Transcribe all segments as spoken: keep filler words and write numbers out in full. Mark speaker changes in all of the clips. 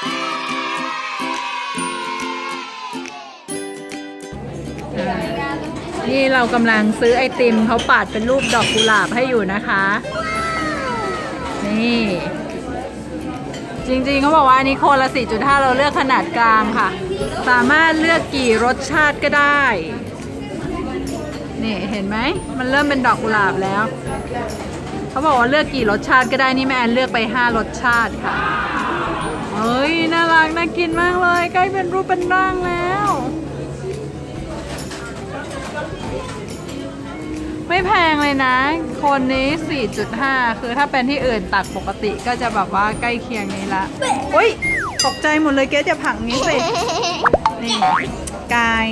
Speaker 1: นี่เรากำลังซื้อไอติมเขาปาดเป็นรูปดอกกุหลาบให้อยู่นะคะนี่จริงๆเขาบอกว่าอันนี้โคนละ สี่จุดห้า เราเลือกขนาดกลางค่ะสามารถเลือกกี่รสชาติก็ได้นี่เห็นไหมมันเริ่มเป็นดอกกุหลาบแล้วเขาบอกว่าเลือกกี่รสชาติก็ได้นี่แม่แอนเลือกไปห้ารสชาติค่ะเฮ้ยน่ารักน่ากินมากเลยใกล้เป็นรูปเป็นร่างแล้วไม่แพงเลยนะคนนี้ สี่จุดห้า คือถ้าเป็นที่อื่นตัดปกติก็จะแบบว่าใกล้เคียงนี้ละอุ้ยตกใจหมดเลยเกสจะผักนี้สินี่กาย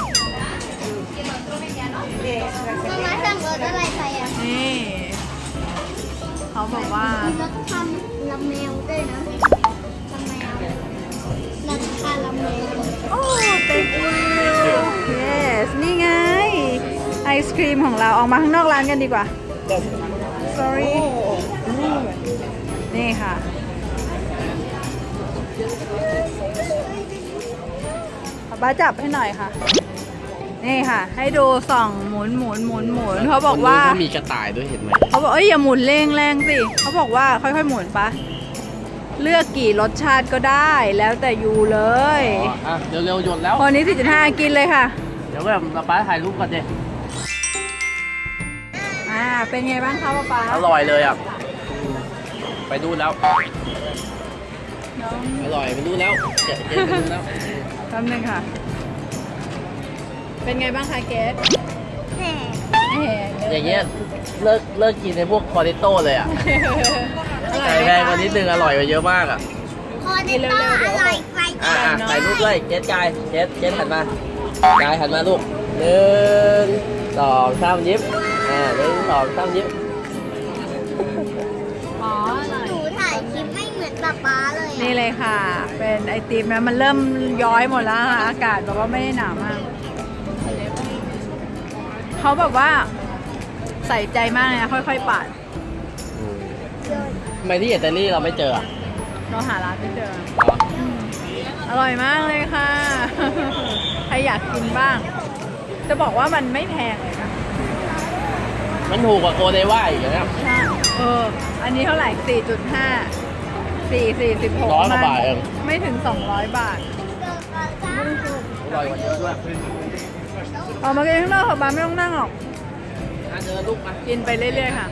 Speaker 2: มาสั่งรสอะไรไปอ่ะ
Speaker 1: นี่เขาบอกว่าร
Speaker 2: สทำลำแมวด้วยนะลำแมวรสทานลำแมว
Speaker 1: โอ้ thank you yes นี่ไงไอศครีมของเราออกมาข้างนอกร้านกันดีกว่า sorry นี่ค่ะป้าจับให้หน่อยค่ะนี่ค่ะให้ดูส่องหมุนหมุนหมุนหมุนเขาบอกว่า
Speaker 3: เขามีกระต่ายด้วยเห็นไหม
Speaker 1: เขาบอกเอ้ยอย่าหมุนแรงแรงสิเขาบอกว่าค่อยๆหมุนปะเลือกกี่รสชาติก็ได้แล้วแต่ยูเลย
Speaker 3: อ่ะเร็วๆหยดแล้ว
Speaker 1: คนนี้ สี่จุดห้า กินเลยค่ะ
Speaker 3: เดี๋ยวแบบป้าถ่ายรูปก่อนดิ
Speaker 1: อ่าเป็นไงบ้างคะป้า
Speaker 3: อร่อยเลยอ่ะไปดูแล้วอร่อยไปดูแล้วเจ๊ไปดูแล้ว
Speaker 1: แป๊บนึงค่ะเป็นไงบ้างคะเกส
Speaker 3: อย่างเงี้ยเลิกเลิกกินในพวกคอริโต้เลยอ่ะใส่แพงกว่านิดนึงอร่อยกว่าเยอะมากอ่ะ
Speaker 2: คอริโต้อร่อยไป
Speaker 3: อ่าถ่ายรูปด้วยเกสกายเกสเกสหันมากายหันมาลูกหนึ่งสองสามยิ้มอ่าหนึ่งสองสามยิ้ม
Speaker 1: อ๋อ
Speaker 2: หนูถ่ายคลิปไม่เหมือนป๊าป๊าเลย
Speaker 1: นี่เลยค่ะเป็นไอติมนะมันเริ่มย้อยหมดแล้วค่ะอากาศแบบว่าไม่ได้หนาวมากเขาแบบว่าใส่ใจมากเลยนะค่อยๆปาด
Speaker 3: ทำไมที่อิตาลีเราไม่เจอ
Speaker 1: เราหาร้านไม่เจออร่อยมากเลยค่ะใครอยากกินบ้างจะบอกว่ามันไม่แพงเลยนะ
Speaker 3: มันถูกกว่าโกเดว่าอีกนะ
Speaker 1: ใช่เอออันนี้เท่าไหร่ สี่จุดห้า สี่ สี่สิบหก
Speaker 3: ร้อยกว่าบาทเอง
Speaker 1: ไม่ถึงสองร้อยบาท
Speaker 3: อร่อยกว่าเยอะด้วย
Speaker 1: ออกมากินข้างนอกค่ะบ้านไม่ต้องนั่งหรอก
Speaker 3: เจอลูกมา
Speaker 1: กินไปเรื่อยๆค่ะ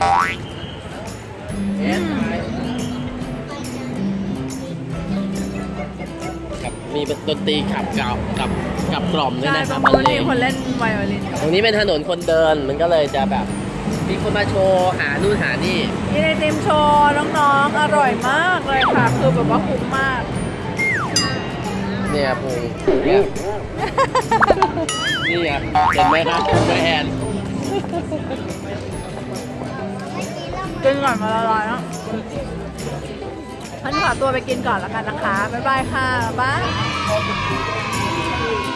Speaker 3: มีดนตรีขับกับกับกับกล่อมด้วยนะครับ
Speaker 1: มันมีคนเล่นไวโอลิน
Speaker 3: ตรงนี้เป็นถนนคนเดินมันก็เลยจะแบบมีคนมาโชว์หานู่นหานี่
Speaker 1: มีไอติมโชว์น้องๆอร่อยมากเลยค่ะคือแบบว่าคุ้มมาก
Speaker 3: เนี่ยปูนี่นี่อ่ะเห็นไหมครับคุณแม่แอน
Speaker 1: กินก่อนมาละลายแล้วฉันขอตัวไปกินก่อนแล้วกันนะคะบ๊ายบายค่ะบ๊าย